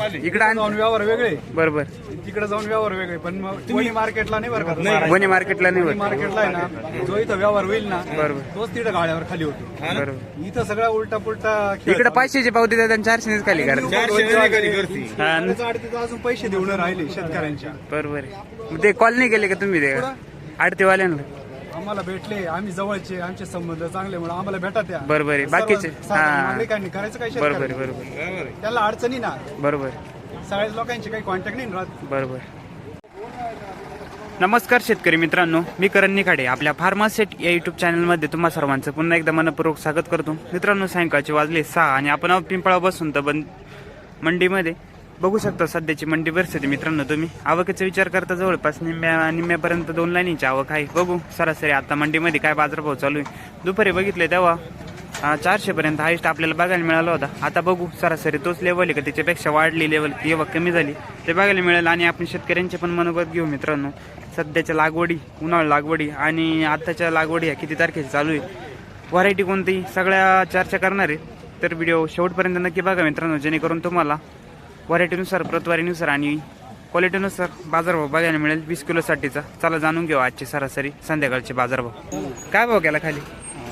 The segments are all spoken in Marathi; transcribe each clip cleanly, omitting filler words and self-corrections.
इकडे जाऊन व्यवहार वेगळे, बरोबर. तिकडे जाऊन व्यवहार वेगळे. पण मग तुम्ही मार्केटला नाही बरं का, वणी मार्केटला नाही होत. मार्केटला आहे ना, जो इथं व्यवहार होईल ना, बरोबर तोच तिथं गाड्यावर खाली होतो. बरोबर. इथं सगळा उलटा पुलटा इकडे 500ची पावती देतात आणि 400 खाली करायचं. अजून पैसे देऊन राहिले शेतकऱ्यांच्या. बरोबर आहे. मग ते कॉल नाही केले का तुम्ही ते आडतेवाल्यांना? आम्हाला भेटले, आम्ही जवळचे, आमचे संबंध चांगले म्हणून आम्हाला भेटा त्या. बरोबर आहे. बाकीचे नागरिकांनी करायचं काय? बरोबर आहे, बरोबर. त्याला अडचणी ना, बरोबर सगळ्या लोकांचे काही कॉन्टॅक्ट नाही राहत. बरोबर. नमस्कार शेतकरी मित्रांनो, मी करण निखाडे. आपल्या फार्मासेट या युट्यूब चॅनलमध्ये तुम्हा सर्वांचं पुन्हा एकदा मनपूर्वक स्वागत करतो. मित्रांनो, सायंकाळचे वाजले 6 आणि आपण पिंपळा बसून तर बंद मंडीमध्ये बघू शकता सध्याची मंडी परिस्थिती. मित्रांनो, तुम्ही आवकेचा विचार करता जवळपास निम्म्यापर्यंत 2 लाईनीची आवक आहे. बघू सरासरी आता मंडीमध्ये काय बाजारभाव चालू आहे. दुपारी बघितले तेव्हा 400 पर्यंत हायस्ट आपल्याला बघायला मिळाला होता. आता बघू सरासरी तोच लेवल आहे का त्याच्यापेक्षा वाढली लेवल किंवा कमी झाली ते बघायला मिळेल. आणि आपण शेतकऱ्यांचे पण मनोगत घेऊ. मित्रांनो, सध्याच्या लागवडी, उन्हाळी लागवडी आणि आताच्या लागवडी ह्या किती तारखेची चालू आहे, व्हरायटी कोणती, सगळ्या चर्चा करणार आहे. तर व्हिडिओ शेवटपर्यंत नक्की बघा मित्रांनो, जेणेकरून तुम्हाला व्हरायटीनुसार, प्रतवारीनुसार आणि क्वालिटीनुसार बाजारभाव बघायला मिळेल 20 किलोसाठीचा. चला जाणून घेऊ आजचे सरासरी संध्याकाळचे बाजारभाव. काय भाव गेला खाली?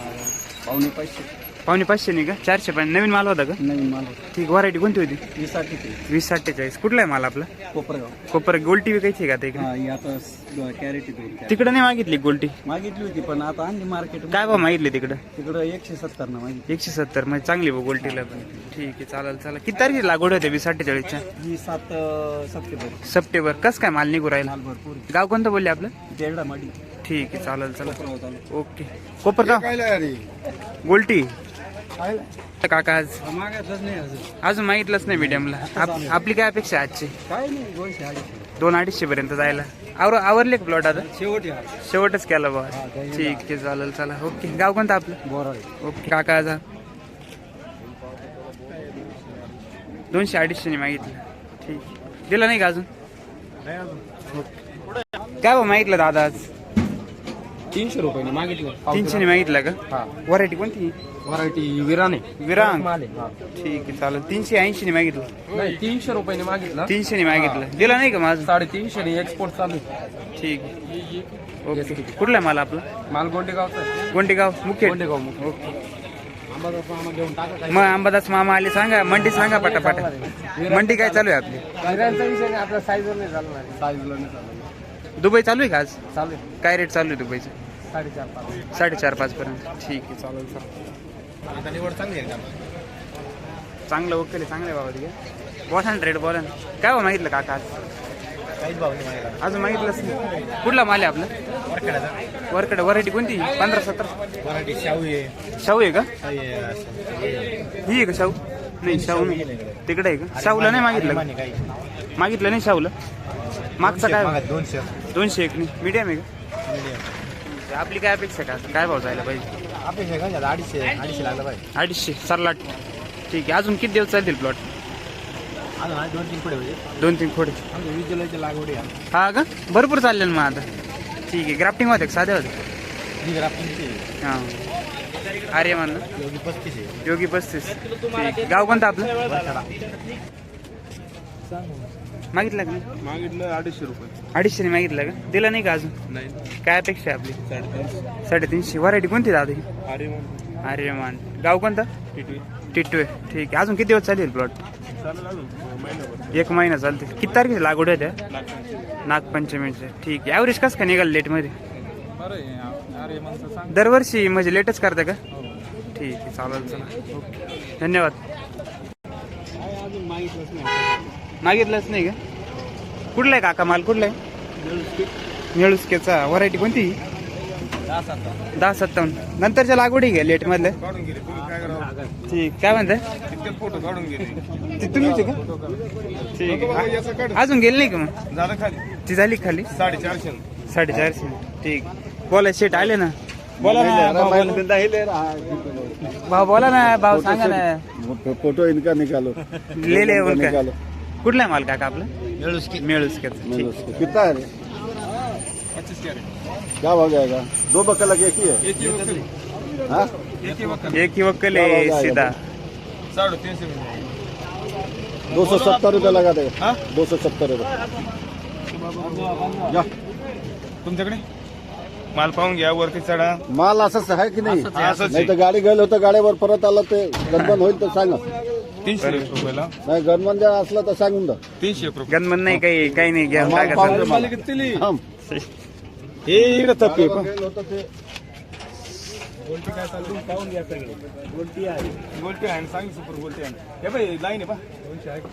550 नाही का? 400 पण. नवीन माल होता का? नवीन माल. ठीक. व्हरायटी कोणती होती? 2047. कुठला आहे माल आपला? कोपर. गोल्टी विकायची का आता? तिकडे नाही मागितली गोल्टी? मागितली होती पण आता आणली मार्केट. काय भाव मागितली तिकडं? तिकडं 170 ना मागितली. 170 म्हणजे चांगली भाऊ गोल्टीला पण. ठीक आहे, चालेल. चला, किती तारखेची लागवड होते? 2047च्या? 7 सप्टेंबर. सप्टेंबर. कसं काय माल निघू राहिला? भरपूर. गाव कोणतं बोलले आपलं? तेरडा माडी. ठीक आहे, चालेल. चला, ओके. कोपर गाव गोल्टी. काका आज मागितलंच नाही अजून मागितलंच नाही मीडियमला. आपली काय अपेक्षा आहे आजची? काय नाही, 200-250 पर्यंत जायला आवरले का प्लॉट? आता शेवटच केला बा. ठीक आहे, चालेल. चला, ओके. गाव कोणतं आपलं? ओके. काका आज 200-250 मागितलं. ठीक. दिला नाही का अजून? काय भाऊ मागितलं दादा आज? 300 रुपये मागितलं. 300 मागितलं का? व्हरायटी कोणती? व्हरायटी विरांग. ठीक आहे, चालेल. 380 मागितलं. नाही, 300 रुपयाने मागितलं. 300 मागितलं. दिला नाही का माझं? 350 एक्सपोर्ट चालू. ठीक आहे, ओके. कुठला आहे माल आपला? माल गोंडेगावचा. गोंडेगाव मुख्य. ओके. मग अंबादास मामा आले, सांगा मंडी, सांगा पटापट. मंडी काय चालू आहे आपली? विरांचा विषय नाही, आपला साईजवर नाही चालणार. साईजला नाही चालणार. दुबई चालू आहे का आज? चालू आहे. काय रेट चालू आहे दुबईचं? 4.5-5. 4.5-5 पर्यंत. ठीक आहे, चालेल. आता निवड चांगली आहे. चांगलं ओके, चांगलं आहे बाबा. ठीक आहे, बोला ना, रेट बोला ना. काय भाव मागितलं काका आज? काहीच भाव नाही मागितला. अजून मागितलंच नाही. कुठला माल आहे आपला? वरकडे. व्हरायटी कोणती? 15-17. व्हरायटी शाहू आहे. शाहू आहे का? ही आहे का शाहू? नाही, शाहू नाही. तिकडे आहे का? शाहूला नाही मागितलं का? मागितलं नाही शाहूला. मागचा काय? 201 नाही. मीडियम आहे का? आपली काय अपेक्षा का? काय भाव जायला पाहिजे? अपेक्षा काय 250 लागला पाहिजे. 250 सरलाट. ठीक आहे. अजून किती दिवस चालतील प्लॉट? अजून 2-3 पुढे होते. 2-3 खोडे. आमच्या 20 जुलैची लागवड आहे. हा का? भरपूर चालले मग आता. ठीक आहे. ग्राफ्टिंग होते का साधे होते? हां. अरे मान योगी 35. ठीक. गाव कोणतं आपलं? मागितलं का? मागितलं 250 रुपये. 250 मागितलं का? दिला नाही का अजून? नाही. काय अपेक्षा आहे आपली? 350. व्हरायटी कोणती दादा ही? आर्यमान. गाव कोणतं? टिटवे. ठीक आहे. अजून किती दिवस चालेल प्लॉट? 1 महिना चालते. किती तारखेची लागवड आहे त्या? नागपंचमीचे. ठीक आहे. ॲव्हरेज कसं काय निघाल लेटमध्ये? दरवर्षी म्हणजे लेटच करता का? ठीक आहे, चालेल. चला, ओके. धन्यवाद. मागितलंच नाही का? कुठला आहे काका माल? कुठला आहे? निळुसकेचा. व्हरायटी कोणती? 10-57. नंतरच्या लागवडी घ्या लेट मधल्या. ठीक. काय म्हणताय? फोटो काढून घे. तुम्हीच का? ठीक आहे. अजून गेली नाही का मग? झालं खाली. ती झाली खाली? 450. ठीक. बोला शेट आले ना. बोला ना भाऊ, बोला ना भाऊ, सांगा ना. फोटो इनका निकालो. ले उनका. कुठला आहे माल काका आपला? मेळुसकेचा. कितना है? 25 क्या हो जाएगा? 2 बक्कल लगे की है? एक ही वक्कल है सीधा. 350 में. 270 रुपये लगा दे 270 रुपये या तुमच्याकडे माल पाहून घ्या, वरती चढा. माल असंच आहे की नाही? असंच आहे. नाही तर गाडी गेलं होतं, गाडीवर परत आलं ते गणपण होईल तर सांगा. 300 रुपयाला नाही गणपण जर असलं तर सांगून द्या. 300 रुपये. गणमन नाही काही नाही घ्या माल काय पाहून करता. दे मला. थांब. हे इकडे तप्पी आहे. गेलं होतं ते गोल्टी आहे आणि सांग सुपर गोल्टी आहे. हे बाई लाईन आहे पा. 200 आहे.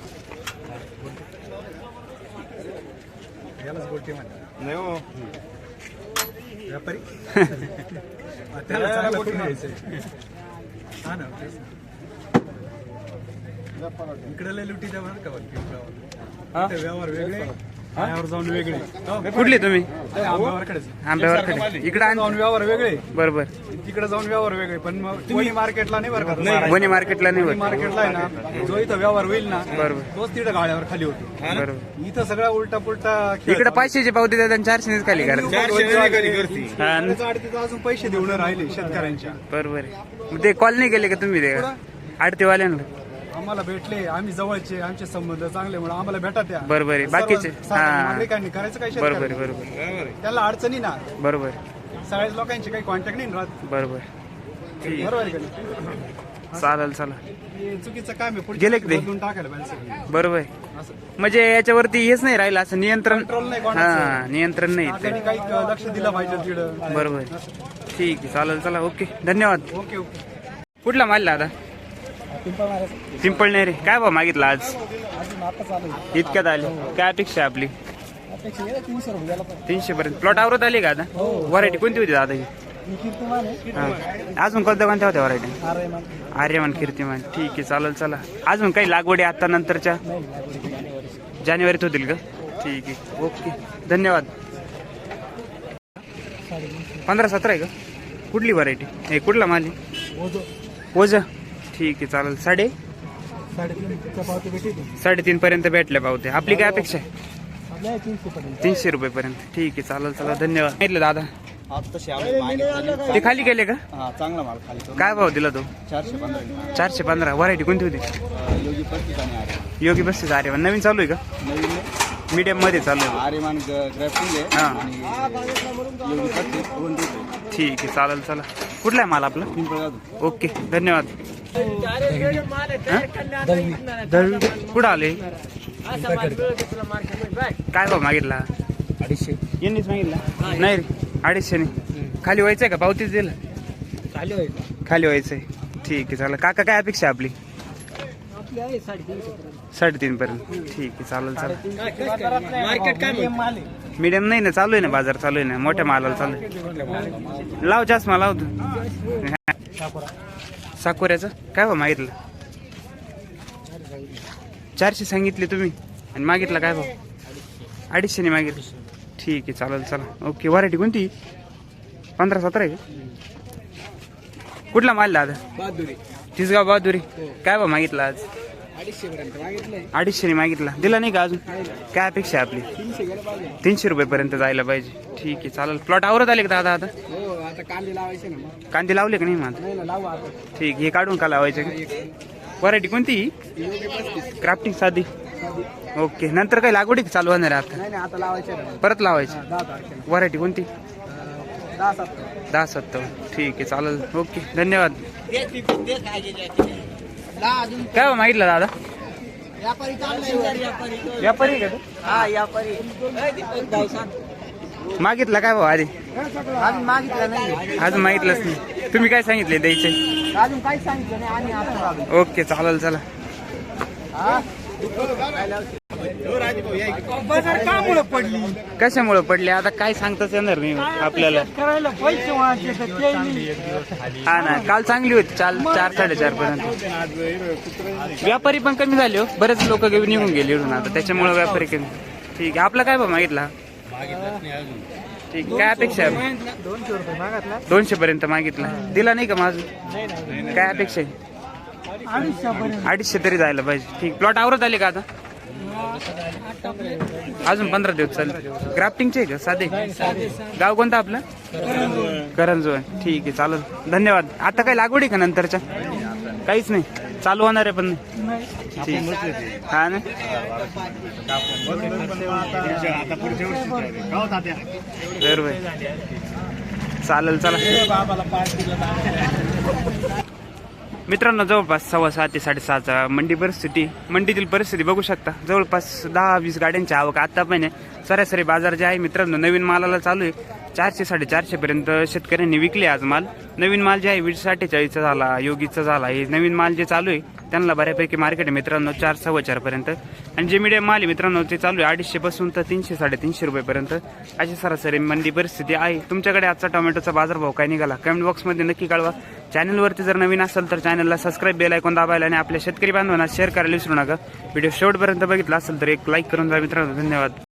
यालाच गोल्टी म्हणतात. नाही हो. व्यापारी त्याला चांगला कुठे घ्यायचंय. हा ना इकडे लय लुटी द्या बरं का व्यवहार वेगळे, यावर जाऊन वेगळे. कुठली तुम्ही? आंब्यावरकडे आंब्यावर इकडे जाऊन व्यवहार वेगळे, बरोबर. तिकडे जाऊन व्यवहार वेगळे. पण मग तुम्ही मार्केटला नाही बरं का? वणी मार्केटला नाही होत. मार्केटला आहे ना, जो इथं व्यवहार होईल ना बरोबर. तोच तिथं गाड्यावर खाली होतो. बरोबर. इथं सगळा उलटा पुलटा इकडे 500ची पावती देतात आणि 400 खाली करायचं. हा ना. तिथं अजून पैसे देऊन राहिले शेतकऱ्यांच्या. बरोबर आहे. मग ते कॉल नाही केले का तुम्ही ते आडतेवाल्यांना? आम्हाला भेटले, आम्ही जवळचे, आमचे संबंध चांगले म्हणून आम्हाला भेटा त्या. बरोबर आहे. बाकीचे नागरिकांनी करायचं काय बरोबर आहे. शेतकऱ्यांनी? बरोबर त्याला अडचणी ना, बरोबर सगळ्याच लोकांचे काही कॉन्टॅक्ट नाही राहत. बरोबर. ठीक बरोबर आहे का नाही? चालेल चला. हे चुकीचं काम आहे. पुढे गेले का ते? बदलून टाकायला पाहिजे सगळं. बरोबर आहे. असं म्हणजे याच्यावरती हेच नाही राहिलं असं नियंत्रण. कंट्रोल नाही कोणाचं. हा नियंत्रण नाही त्यांनी ते. काही लक्ष दिलं पाहिजे तिकडं. बरोबर. ठीक आहे. चालेल चला. ओके धन्यवाद. Okay okay. कुठला माल दादा? पिंपळनेर. काय भाव मागितला आज? इतक्यात आले. काय अपेक्षा आहे आपली? 300 पर्यंत. प्लॉट आवरत आली का आता? व्हरायटी कोणती होती दादा ही? हा. अजून कोणत्या होत्या व्हरायटी? आर्यमान, कीर्तिमान. ठीक आहे. चालेल चला. अजून काही लागवडी आता नंतरच्या जानेवारीत होतील का? ठीक आहे. ओके धन्यवाद. 15-17 आहे का? कुठली व्हरायटी? हे कुठला माल आहे? ओझा. ठीक आहे. चालेल. 3.5 पर्यंत भेटल्या पावते. आपली काय अपेक्षा आहे? 300 रुपये पर्यंत. ठीक आहे. चालेल चला. धन्यवाद. सांगितलं दादा ते खाली गेले का? चांगला माल खाली काय भाव दिला तो? 415. 415. व्हरायटी कोणती होती? योगी 35 आणि योगी 35 आर्यमान. नवीन चालू आहे का? नवीन मीडियम मध्ये चालू आहे. आर्यमान ग्राफ्टिंग आहे हा. आणि योगी 35 दोन रुपये. ठीक आहे. चालेल चला. कुठला आहे माल आपला? पिंपळगाव. ओके धन्यवाद. कुठं आले? काय भाव मागितला? 250. यांनीच मागितला? नाही रे 250 नाही. खाली व्हायचंय का? पावतीच दिलं? खाली व्हायचंय. ठीक आहे. चालेल. काका काय अपेक्षा आहे आपली? 3.5 पर्यंत. ठीक आहे. चालेल चला. मार्केट काय मीडियम नाही ना, चालू आहे ना, बाजार चालू आहे ना, मोठ्या मालाला चालू आहे. लाव चष्मा लावतो. साकोऱ्याचं काय भाव मागितलं? 400 सांगितले तुम्ही आणि मागितला काय भाव? 250 ने मागितलं. ठीक आहे. चालेल चला. ओके. व्हरायटी कोणती? 15-17 आहे का? कुठला माल दादा? तिसगाव बहादुरी. काय भाव मागितला आज? 250 ने मागितला. दिला नाही का अजून? काय अपेक्षा आहे आपली? 300 रुपये पर्यंत जायला पाहिजे. ठीक आहे. चालेल. प्लॉट आवरत आले का दादा आता? कांदे लावले का नाही मग? ठीक. हे काढून का लावायचे? व्हरायटी कोणती? क्राफ्टिंग साधी. ओके. नंतर काही लागवडी चालू होणार आहे आता? परत लावायची. व्हरायटी कोणती? 10-7. ठीक आहे. चालेल. ओके धन्यवाद. काय भाव मागितला दादा? व्यापारी का? मागितला काय भाव आधी? अजून मागितलं नाही. अजून मागितलंच नाही. तुम्ही काय सांगितले द्यायचे? अजून काही सांगितलं नाही. आम्ही आता आलो. ओके. चालेल चला. बाजार कामुळे पडली. कशामुळे पडले आता काय सांगताच येणार नाही आपल्याला. करायला पैसे व्हायचे तर ते नाही. हा ना. काल चांगली होती. 4-4.5 पर्यंत. व्यापारी पण कमी झाले हो. बरेच लोक निघून गेले इकडून आता, त्याच्यामुळे व्यापारी कमी. ठीक आहे. आपला काय भाव मागितला? ठीक. काय अपेक्षा आहे? 200 रुपये मागितला. 200 पर्यंत मागितला. दिला नाही का माझं? काय अपेक्षा आहे? 250 तरी जायला पाहिजे. ठीक. प्लॉट आवरत आले का आता? अजून 15 दिवस चालेल. ग्राफ्टिंगचे आहे का साधे? गाव कोणतं आपलं? करंजोळ. ठीक आहे. चालेल. धन्यवाद. आता काय लागवड आहे का नंतरच्या? काहीच नाही. चालू होणार आहे पण ठीक. हा ना बरोबर चालेल चला मित्रांनो. जवळपास 6:15 ते 6:30 मंडी परिस्थिती, मंडीतील परिस्थिती बघू शकता. जवळपास 10-20 गाड्यांची आवक आता पण आहे. सरासरी बाजार जे आहे मित्रांनो नवीन मालाला चालू आहे 400-450 पर्यंत शेतकऱ्यांनी विकले आज माल. नवीन माल जे आहे 20-47 झाला, योगीचा झाला. हे नवीन माल जे चालू आहे त्यांना बऱ्यापैकी मार्केट आहे मित्रांनो 4-4.25 पर्यंत. आणि जे मीडियम माल आहे मित्रांनो ते चालू आहे 250 पासून तर 300-350 रुपयेपर्यंत अशी सरासरी मंडी परिस्थिती आहे. तुमच्याकडे आजचा टोमॅटोचा बाजारभाव काय निघाला कमेंट बॉक्समध्ये नक्की कळवा. चॅनलवरती जर नवीन असेल तर चॅनलला सबस्क्राईब बेल आयकॉन दाबायला आणि आपल्या शेतकरी बांधवांना शेअर करायला विसरू नका. व्हिडिओ शेवटपर्यंत बघितला असेल तर एक लाईक करून जा मित्रांनो. धन्यवाद.